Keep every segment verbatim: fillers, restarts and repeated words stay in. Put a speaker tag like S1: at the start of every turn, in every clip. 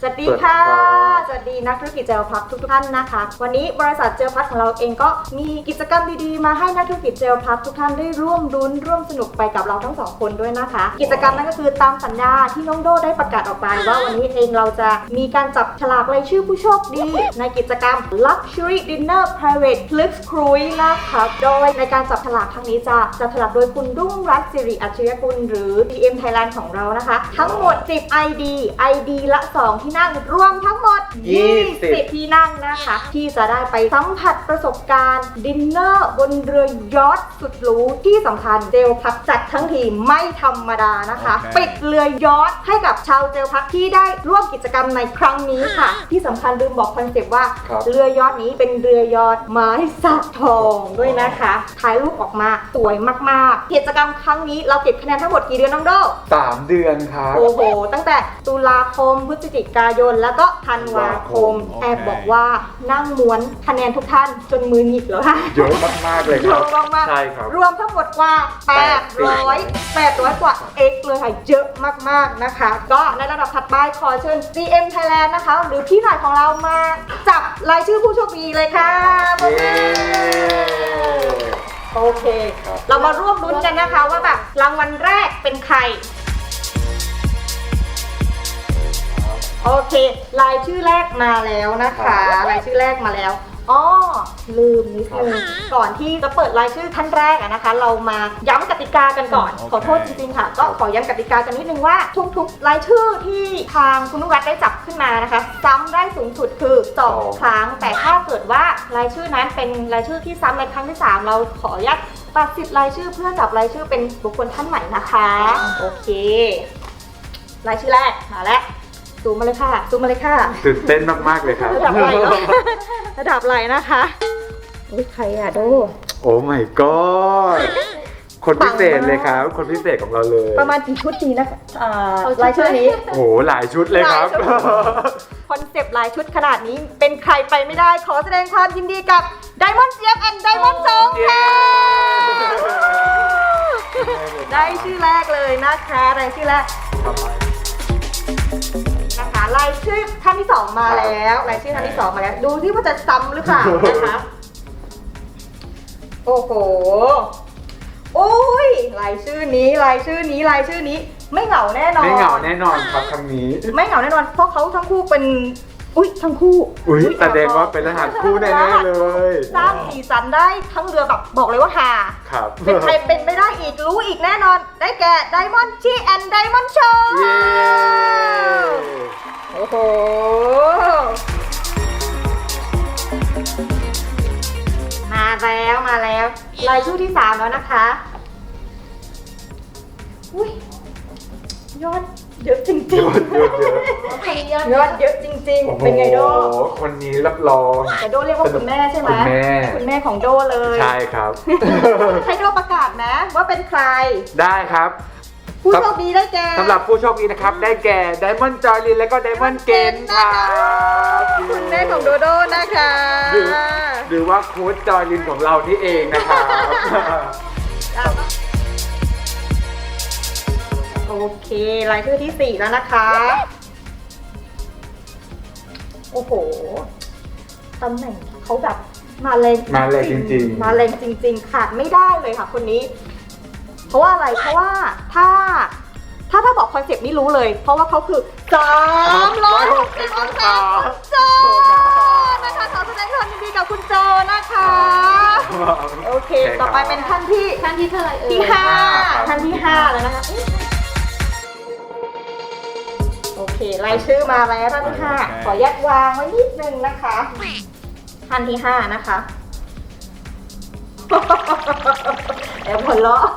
S1: วัสดีค่ะสวัสดีนักธุรกิจเจลพัททุกท่านนะคะวันนี้บริษัทเจลพัทของเราเองก็มีกิจกรรมดีๆมาให้นักธุรกิจเจลพัททุกท่านได้ร่วมรุ้นร่วมสนุกไปกับเราทั้งสองคนด้วยนะคะกิจกรรมนั้นก็คือตามสัญญาที่น้องโดได้ประกาศออกไปว่าวันนี้เองเราจะมีการจับฉลากรายชื่อผู้โชคดีในกิจกรรม Luxury Dinner Private Flix Cruise นะคะโดยในการจับฉลากครั้งนี้จะจับฉลากโดยคุณรุ่งรัตน์สิริอัจฉริยกุลหรือ ดี เอ็ม Thailand ของเรานะคะทั้งหมดสิบ ไอ ดี ไอ ดี ละสองที่นั่งรวมทั้งหมดยี่สิบที่นั่งนะคะที่จะได้ไปสัมผัสประสบการณ์ดินเนอร์บนเรือยอชต์สุดหรูที่สำคัญเจลพัทจัดทั้งทีไม่ธรรมดานะคะ okay. ปิดเรือยอชต์ให้กับชาวเจลพัทที่ได้ร่วมกิจกรรมในครั้งนี้ค่ะที่สำคัญลืมบอกคอนเซปต์ว่าเรือยอชต์นี้เป็นเรือยอชต์ไม้สักทองด้วยนะคะถ่ายรูปออกมาสวยมากๆกิจกรรมครั้งนี้เราเก็บคะแนนทั้งหมดกี่เดือนน้องโด
S2: สามเดือนครับ
S1: โอ้โหตั้งแต่ตุลาคมพฤศจิกายนแล้วก็ธันวาคมแอบบอกว่านั่งม้วนคะแนนทุกท่านจนมือหงิกแล้วค่ะ
S2: เยอะมากๆเลยครับ
S1: เยอะมากๆ
S2: ใช่ครับ
S1: รวมทั้งหมดกว่าแปดร้อย แปดร้อยกว่า X เลยค่ะเยอะมากๆนะคะก็ในระดับถัดไปขอเชิญ ซี เอ็ม Thailand นะคะหรือพี่หน่อยของเรามาจับรายชื่อผู้โชคดีเลยค่ะโอเคเรามาร่วมลุ้นกันนะคะว่าแบบรางวัลแรกเป็นใครโอเครายชื่อแรกมาแล้วนะคะรายชื่อแรกมาแล้วอ๋อลืมนิดนึงก่อนที่จะเปิดรายชื่อท่านแรกอะนะคะเรามาย้ำกติกากันก่อนขอโทษจริงๆค่ะก็ขอย้ำกติกากันนิดนึงว่าทุกๆรายชื่อที่ทางคุณนุรัตน์ได้จับขึ้นมานะคะซ้ำได้สูงสุดคือสองครั้งแต่ถ้าเกิดว่ารายชื่อนั้นเป็นรายชื่อที่ซ้ำในครั้งที่สามเราขออนุญาตตัดสิทธิ์รายชื่อเพื่อจับรายชื่อเป็นบุคคลท่านใหม่นะคะโอเครายชื่อแรกมาแล้วซูมมาเลยค่ะซูมมาเลยค่ะ
S2: ตื่นเต้นมากๆเลยครับ
S1: ระดับไหลระดับไหลนะคะอุ้ยใครอะโด
S2: โอ้ my god คนพิเศษเลยครับคนพิเศษของเราเลย
S1: ประมาณกี่ชุดดีนะรายชื่อนี้
S2: โอ้หลายชุดเลยครับ
S1: คอนเซปต์หลายชุดขนาดนี้เป็นใครไปไม่ได้ขอแสดงความยินดีกับ Diamond เจี๊ยบ and Diamond จงค่ะได้ชื่อแรกเลยนะคะรายชื่อแรกนะคะรายชื่อท่านที่สองมาแล้วรายชื่อท่านที่สองมาแล้วดูที่ว่าจะซ้ำหรือเปล่านะคะโอ้โหโอ้ยรายชื่อนี้รายชื่อนี้รายชื่อนี้ไม่เหงาแน่นอน
S2: ไม่เหงาแน่นอนครับครั้งนี้
S1: ไม่เหงาแน่นอนเพราะเขาทั้งคู่เป็นอุ้ยทั้งคู่
S2: อุ้ยแสดงว่าเป็นรหัสคู่แน่ๆเลย
S1: สร้างสีสันได้ทั้งเรือแบบบอกเลยว่าฮา
S2: ครับ
S1: เป็นใครเป็นไม่ได้อีกรู้อีกแน่นอนได้แก่ Diamond ชีแอนด์ Diamond โชว์โอ้โหมาแล้วมาแล้วรายชื่อที่สามแล้วนะคะอุ้ยยอดเยอะจริงๆยอดเยอะเยอะยอดเยอะจริงๆเป็นไงโด
S2: คนนี้รับรอง
S1: แต่โดเรียกว่าคุณแม่ใช่ไหม
S2: คุณแม่
S1: คุณแม่ของโดเลย
S2: ใช่ครับ
S1: ให้โดประกาศนะว่าเป็นใคร
S2: ได้ครับ
S1: ผู้โชคดีได้แก่
S2: สำหรับผู้โชคดีนะครับได้แก่ Diamond จอยลินและก็ Diamond เกนค่ะ
S1: คุณแม่ของโดโดนะคะ
S2: หรือว่าโค้ชจอยลินของเรานี่เองนะครับ
S1: โอเครายชื่อที่สี่แล้วนะคะโอ้โหตำแหน่งเขาแบบมาแรง
S2: มาแรงจริง
S1: ๆมาแรงจริงๆขาดไม่ได้เลยค่ะคนนี้เพราะว่าอะไรเพราะว่าถ้าถ้าถ้าบอกคอนเซปต์นี้รู้เลยเพราะว่าเขาคือสามร้อยหกสิบองศาคุณโจนะคะขอแสดงความยินดีกับคุณโจนะคะโอเคต่อไปเป็นท่านที่
S3: ท่านที่เท่าไหร่เอ่ย
S1: ที่ห้าท่านที่ห้าแล้วนะคะโอเครายชื่อมาแล้วท่านที่ห้าขอยัดวางไว้นิดนึงนะคะท่านที่ห้านะคะแอบหัวเราะ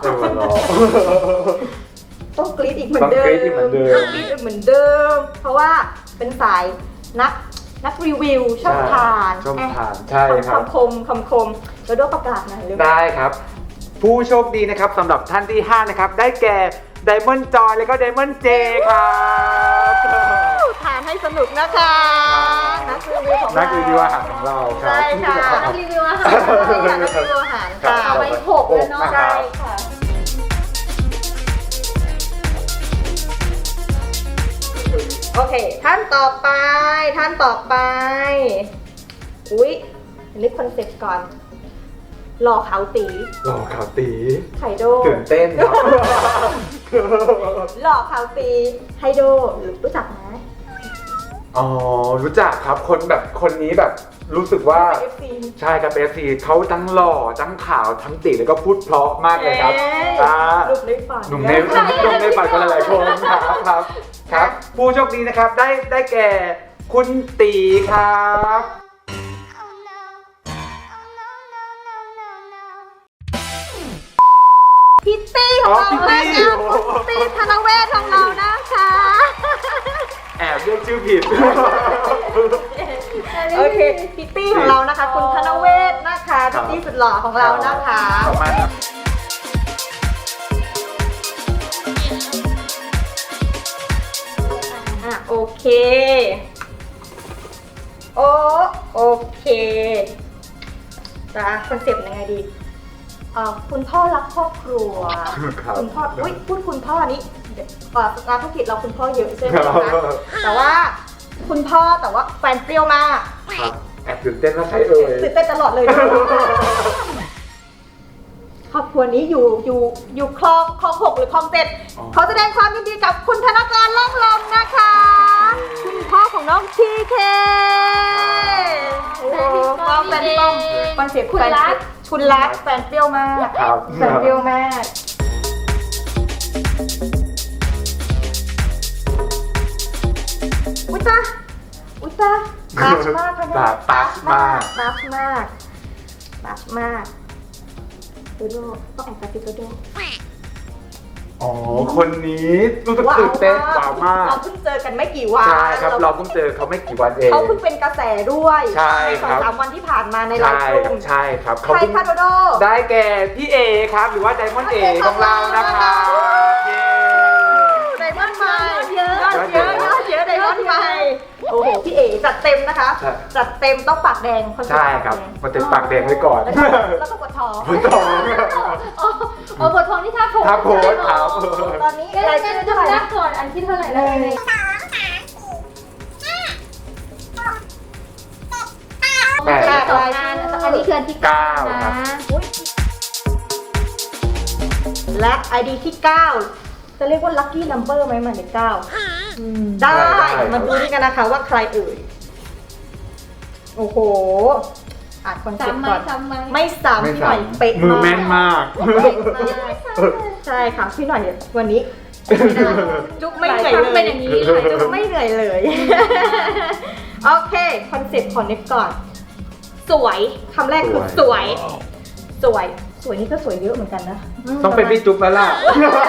S1: ต้องกรี๊ดอีกเหมือนเดิมต้องกรี๊ดอีกเหมือนเดิมต้องกรี๊ดอีกเหมือนเดิมเพราะว่าเป็นสายนักนักรีวิวชอบทาน
S2: ชอบทานใช่ครับ
S1: คำคมคำคมแล้วด้วยประกาศหน่อยเลย
S2: ได้ครับผู้โชคดีนะครับสำหรับท่านที่ห้านะครับได้แก่ Diamond จอยและก็ Diamond เจครับ
S1: ทานให้สนุกนะคะนักรีวิวของเรา
S2: นักรีวิวอาหารของเรา
S1: ใช่ค่ะ
S3: นักรีวิวอาหาร
S1: นักรีวิวอาหารค่ะ
S3: เอาไว้หกเลยเนาะ
S1: ใช่ค่ะโโอเค ท่านต่อไป ท่านต่อไป อุ๊ยนึกคอนเซ็ปต์ก่อน หล่อขาวตี
S2: หล่อขาวตี
S1: ไฮโด
S2: ตื่นเต้นครับ
S1: หล่อขาวตีไฮโดรู้จักไหม
S2: อ๋อ รู้จักครับ คนแบบคนนี้แบบรู้สึกว่า
S1: เอฟซี
S2: ใช่ครับเอฟซีเขาทั้งหล่อทั้งขาวทั้งตีแล้วก็พูดเพราะมากเลยครับอ่า
S1: หนุ่มในฝัน
S2: หนุ่มในหนุ่มในฝันคนหลายๆคนครับครับครับ ผู้โชคดีนะครับได้ได้แก่คุณตีครับ
S1: พิตตี้ของเรา
S2: อ๋อพิตตี้
S1: นะคะคุณพิตตี้ธนเวศของเรานะคะ
S2: แอบเรียกชื่อผิด
S1: โอเคพิตตี้ของเรานะคะ คุณธนเวศนะคะ
S2: ครั
S1: พิ
S2: บ
S1: ตตี้สุดหล่อของเรานะคะ
S2: ขอบคุณมากครับ
S1: อ่ะโอเค โอโอเคจ้าคอนเซปต์ยังไงดีเอ่อคุณพ่อรักครอบครัว
S2: ครับ
S1: คุณพ่ออุ้ยพูดคุณพ่อนี้เดี๋ยวเอ่องานธุรกิจเราคุณพ่อเยอะใช่ไหม
S2: ครั
S1: คะ
S2: บ
S1: แต่ว่าคุณพ่อแต่ว่าแฟนเปรี้ยวมาก
S2: ครับแอบตื่นเต้นว่าใครเอ่ย
S1: ตื่นเต้นตลอดเลยนะครอบครัวนี้อยู่อยู่อยู่คลองคลองหกหรือคลองเจ็ด
S2: อ๋อ
S1: ขอแสดงความยินดีกับคุณธนการล่องลมนะคะ คุณพ่อของน้องทีเคโอ้โหป้อมแฟนป้อมคอนเซ็ปต์
S3: คุณ
S1: แฟน
S3: รัก
S1: คุณรักแฟนเปรี้ยวมาก
S2: ครับ
S1: แฟนเปรี้ยวมากอุ้ยตาอุ้ยตาตาชมากค่ะเนี่ย
S2: ตาตาชมาก
S1: ตาชมากตาชมากโดโดต้องแอบกระซิบโดโด
S2: อ๋อ คนนี้รู้สึกตื่นเต้นว้าวมาก
S1: เราเพิ่งเจอกันไม่กี่วัน
S2: ใช่ครับ เราเพิ่งเจอเขาไม่กี่วันเอง
S1: เขาเพิ่งเป็นกระแสด้วย
S2: ใช่
S1: สอง
S2: ครับ
S1: สามวันที่ผ่านมาในไล
S2: ใช่
S1: ฟ์ก
S2: ครั
S1: ลุ่
S2: บ
S1: ม
S2: ใช่ครับเขา
S1: ใคร
S2: เพิ่ง
S1: คะโดโด
S2: ได้แก่พี่เอครับ หรือว่าไดมอนด์เอของเรานะคะเย้
S1: ไดมอนด์ใหม่
S3: เยอะ
S1: ยอดเยอะยอดเยอะไดมอนด์ใหม่โอ้โหพี่เอจัดเต็มนะคะ
S2: ใช่
S1: จัดเต็มต้องปากแดงอนเซ็ปต์
S2: ใช่ครับ
S1: ปากแดง
S2: มันติดปากแดงไว้ก่อน
S1: แล้วก็แล้วก็ปวดท้อง
S2: คุณต่อ
S3: อ๋ออ๋อบททองที่ท่าโพส
S2: ท่าโพสครับ
S1: ตอนนี้
S3: เอ๊ะ
S1: ราย
S3: เอ๊ะ
S1: ชื่อ
S3: ดู
S1: เท่าไหร่
S3: แร
S1: นะ
S3: กก่อนอันที่เท่าไหร่
S1: ห
S3: นะ
S1: นึ่ง
S2: แปด
S3: แปดรายชื่ออันนี้คืออันที่เก้า
S2: เก้าครั
S3: นะ
S2: บ
S1: อุ๊ยและ ไอ ดี ที่ เก้า จะเรียกว่า lucky number ไหมหมายเลขเก้า ได้
S2: ได้ครับ
S1: มาดูนี่กันนะคะว่าใครเอ่ย โอ้โห อ่านคอนเซ็ป
S3: ซ้ำ
S1: ต์
S3: ไหม
S1: ก่อน
S3: ซ้ำไหม
S1: ไม่ซ้ำ
S2: ไม่
S1: พี่หน่อย
S2: ซ้ำ
S1: เป๊ะ
S2: มือแม่นมาก
S1: เป๊ะมากใช่ค่ะพี่หน่อยวันนี้ไม่ได้จุ๊บไม่เหนื่อย
S3: หลายครั้ง
S1: เล
S3: เป็น
S1: ย
S3: อย่างนี้หลายครั้ง
S1: จุ๊บไม่เหนื่อยเลย โอเค คอนเซ็ปต์ของเน็กก่อน สวยคำแรกคือสวย สวย สวยนี่ก็สวยเยอะเหมือนกันนะม
S2: ต้องเป็นพี่จุ๊บแล้วล่ะ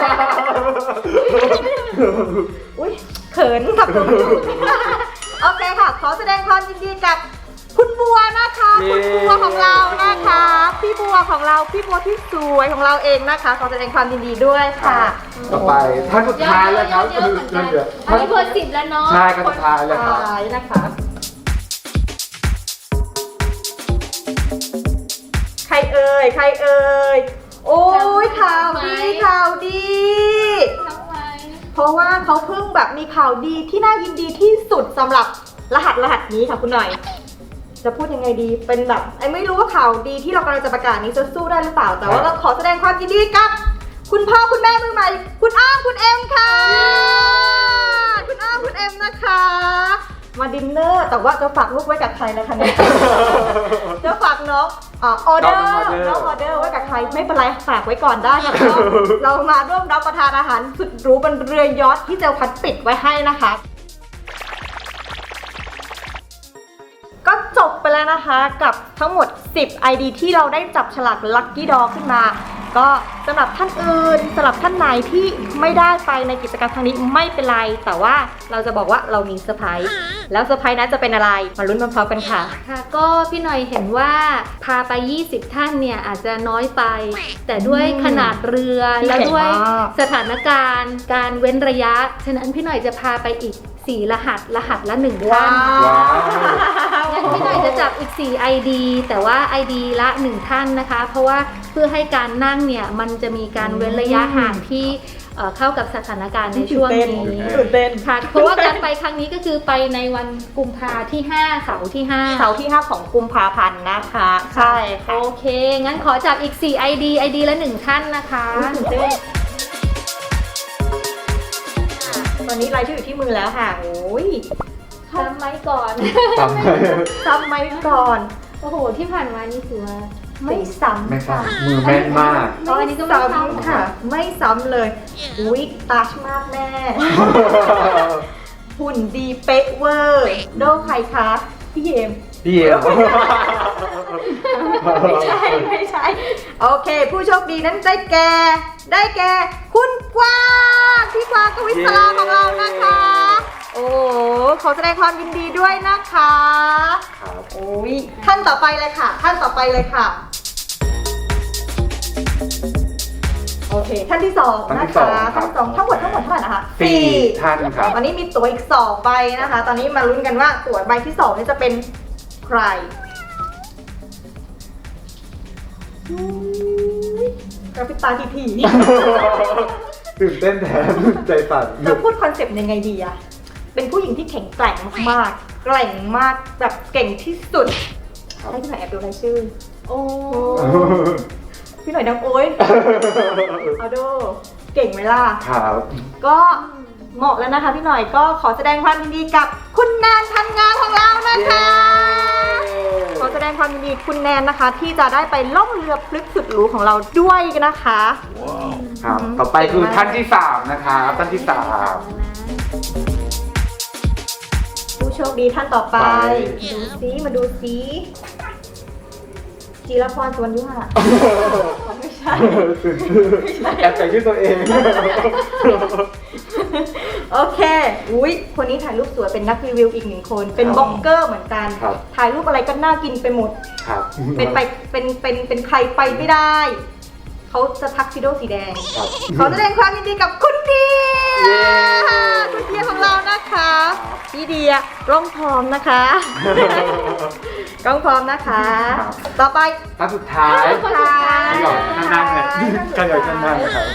S1: อุ้ยเขินกับคุณโอเคค่ะ ขอแสดงความยินดีกับคุณบัวนะคะ
S2: เย้
S1: คุณบัวของเรานะคะ พี่บัวของเรา พี่บัวที่สวยของเราเองนะคะ ขอแสดงความยินดีด้วยค่ะ
S2: ต่อไปท่านสุดท้ายแล้วครับ
S3: เยอะๆเหมือนกัน
S2: เดี๋ยว
S3: อันนี้เบอร์สิบแล้วเนาะ
S2: ใช่ครับสุดท้ายแล้วครับ
S1: ท้ายนะคะ ใครเอ่ย ใครเอ่ย โอ้ยข่าวดีข่าวดี
S3: ทำไม
S1: เพราะว่าเขาเพิ่งแบบมีข่าวดีที่น่ายินดีที่สุดสำหรับรหัสรหัสนี้ค่ะคุณหน่อย จะพูดยังไงดี เป็นแบบไอ้ไม่รู้ว่าข่าวดีที่เรากำลังจะประกาศนี้จะสู้ได้หรือเปล่า แต่ว่าก็ขอแสดงความยินดีกับ คุณพ่อคุณแม่มือใหม่ คุณอ้อมคุณเอ็มค่ะ คุณอ้อมคุณเอ็มนะคะ มาดินเนอร์ แต่ว่าจะฝากลูกไว้กับใครนะคะเนี่ย จะฝากน้องอ่าออเดอร์
S2: น้องออเดอร์
S1: น้องออเดอร์ไว้กับใครไม่เป็นไรฝากไว้ก่อนได้ค่ะ เรามาร่วมรับประทานอาหารสุดหรูบนเรือยอชท์ที่เจลพัดปิดไว้ให้นะคะ ก็จบไปแล้วนะคะกับทั้งหมดสิบ ไอ ดี ที่เราได้จับฉลาก Lucky Draw ขึ้นมา ก็สำหรับท่านอื่นสำหรับท่านไหนที่ไม่ได้ไปในกิจกรรมครั้งนี้ไม่เป็นไร แต่ว่าเราจะบอกว่าเรามีเซอร์ไพรส์แล้วเซอร์ไพรส์นั้นจะเป็นอะไรมาลุ้นพร้อมๆกันค่ะ
S3: ค่ะก็พี่หน่อยเห็นว่าพาไปยี่สิบท่านเนี่ยอาจจะน้อยไป แต่ด้วยขนาดเรือ
S1: ที่
S3: และ
S1: ใหญ่
S3: ด้วย
S1: มาก
S3: สถานการณ์การเว้นระยะ ฉะนั้นพี่หน่อยจะพาไปอีกสี่รหัสรหัสละหนึ่งท่าน
S2: ว้าว
S3: งั้นพี่หน่อยจะจับอีกสี่ ไอ ดี แต่ว่า ไอ ดี ละหนึ่งท่านนะคะ เพราะว่าเพื่อให้การนั่งเนี่ยมันจะมีการเว้นระยะห่างที่เอ่อเข้ากับสถานการณ์ในช่วงนี้
S1: ตื่นเต้น
S3: ค่ะเพราะว่าการไปครั้งนี้ก็คือไปในวันกุมภาที่ห้าเสาร์ที่ห้า
S1: เสาร์ที่ห้าของกุมภาพันธ์นะคะ ใช่
S3: โอเค งั้นขอจับอีกสี่ ไอ ดี ไอ ดี ละหนึ่งท่านนะคะ
S1: ตื่นเต้นตอนนี้รายชื่ออยู่ที่มือแล้วค่ะโอ้ย
S3: ทำไหมก่อน
S2: ทำไม
S1: จำไหมก่อน
S3: โอ้โห ที่ผ่านมานี่ถือว่า
S1: ไม่ซ้ำ
S2: ไม่ทรา
S1: ค่ะ
S2: บมือแม่นมาก
S3: ตอนนี้ก็ไม่ซ้ำ
S1: ค่ะ ไม่ซ้ำเลยอุ้ยตัชมากแม่ หุ่นดีเป๊ะเวอร์ โดใครคะ พี่เยม
S2: พี่เอ็ม
S1: ไม่ใช่ ไม่ใช่ โอเค ผู้โชคดีนั้นได้แก่ ได้แก่ คุณกวางพี่กวางกวิศราของเรานะคะ โอ้ขอแสดงความยินดีด้วยนะคะ
S2: ครับ
S1: โอ้ยท่านต่อไปเลยค่ะ ท่านต่อไปเลยค่ะ โอเค ท่านที่สองนะคะท่านที่สองทั้งหมดทั้งหมดเท่าไหร่นะคะ
S2: สี่ท่านครับ
S1: ตอนนี้มีตั๋วอีกสองใบนะคะ ตอนนี้มาลุ้นกันว่าตั๋วใบที่สองนี่จะเป็นใครกระพริบตาทีที
S2: ตื่นเต้นแทนใจสั่น
S1: จะพูดคอนเซปต์ยังไงดีอะเป็นผู้หญิงที่แข็งแกร่งมากๆแกร่งมากแบบเก่งที่สุด ให้พี่หน่อยแอบดูรายชื่อ
S3: โอ้
S1: พี่หน่อยดังโอ้ยเอาโดเก่งไหมล่ะ
S2: ครับ
S1: ก็เหมาะแล้วนะคะพี่หน่อยก็ขอแสดงความยินดีกับคุณแนนทันงานของเรานะคะ ขอแสดงความยินดีคุณแนนนะคะ ที่จะได้ไปล่องเรือพลึกสุดหรูของเราด้วยนะคะ
S2: ครับ ต่อไปคือท่านที่สามนะครับท่านที่สาม
S1: ผู้โชคดีท่านต่อไป
S2: ไป
S1: ดูซิมาดูซิจีรพรสวนยุหะไม่ใช่
S2: แอบใส่ชื่อตัวเอง
S1: โอเคอุ้ยคนนี้ถ่ายรูปสวยเป็นนักรีวิวอีกหนึ่งคน เป็นบล็อกเกอร์เหมือนกัน
S2: ครับ
S1: ถ่ายรูปอะไรก็น่ากินไปหมด
S2: ครับ
S1: เป็นไปเป็นเป็นเป็นใครไปไม่ได้ เขาจะทักซิโดสีแดง
S2: ครับ
S1: ขอแสดงความยินดีกับคุณเดีย
S2: เย้
S1: คุณเดียของเรานะคะพี่เดียร้องพร้อมนะคะ ร้องพร้อมนะคะ
S2: ครับ
S1: ต่อไป
S2: ท่านสุดท้าย
S1: ค่ะ
S2: ขยับนั่งๆเลยขยับนั่งๆนะครับ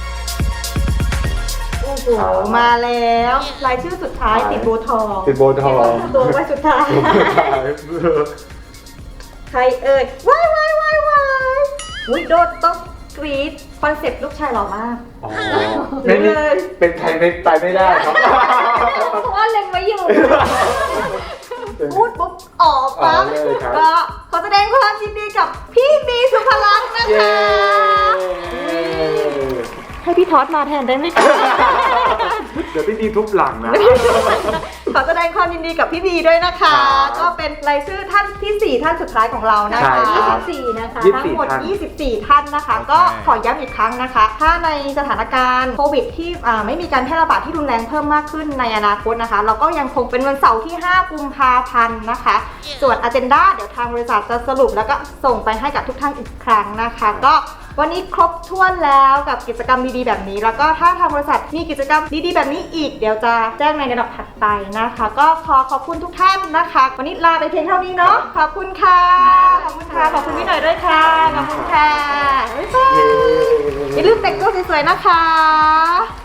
S1: โอ้โหมาแล้วรายชื่อสุดท้ายติดโบทอง
S2: ติดโบทอง
S1: ตัวไว้สุดท้าย ใครเอ่ยว้ายว้ายว้ายว้ายอุ้ยโดดต้องกรี๊ดคอนเซ็ปต์ลูกชายหล่อมาก
S2: อ๋อไม่มีเป็นใครไม่ไปไม่ได้ครับ
S3: เพราะว่าเล็งไว้อยู่
S1: พูดปุ๊บออกปั๊บ
S2: อ๋อเลยครับ
S1: ก็ขอแสดงความยินดีกับพี่บีสุภลักษณ์นะ
S2: เย้
S1: คะให้พี่ทอดมาแทนได้ไหมคะ
S2: เดี๋ยวพี่ดีทุบหลังนะ
S1: ขอแสดงความยินดีกับพี่บีด้วยนะคะ
S2: ครับ
S1: ก็เป็นรายชื่อท่านที่สี่ท่านสุดท้ายของเรานะคะ
S2: ใช่ครับ
S3: ยี่สิบสี่นะคะ
S2: ยี่สิบ
S1: ทั้งหมด
S2: ท่าน
S1: ยี่สิบสี่ ท่านนะคะ
S2: โอเค
S1: ก็ขอย้ำอีกครั้งนะคะ ถ้าในสถานการณ์โควิดที่อ่าไม่มีการแพร่ระบาดที่รุนแรงเพิ่มมากขึ้นในอนาคตนะคะ เราก็ยังคงเป็นวันเสาร์ที่ ห้า กุมภาพันธ์นะคะ ส่วน agenda เดี๋ยวทางบริษัทจะสรุปแล้วก็ส่งไปให้กับทุกท่านอีกครั้งนะคะ ก็วันนี้ครบถ้วนแล้วกับกิจกรรมดีๆแบบนี้ แล้วก็ถ้าทางบริษัทมีกิจกรรมดีๆแบบนี้อีก เดี๋ยวจะแจ้งในระดับถัดไปนะคะ ก็ขอขอบคุณทุกท่านนะคะ วันนี้ลาไปเพียงเท่านี้เนาะ ขอบคุณค่ะ ขอบคุณค่ะ ขอบคุณพี่หน่อยด้วยค่ะ ขอบคุณค่ะบ๊ายบายอย่าลืมแต่งตัวสวยๆนะคะ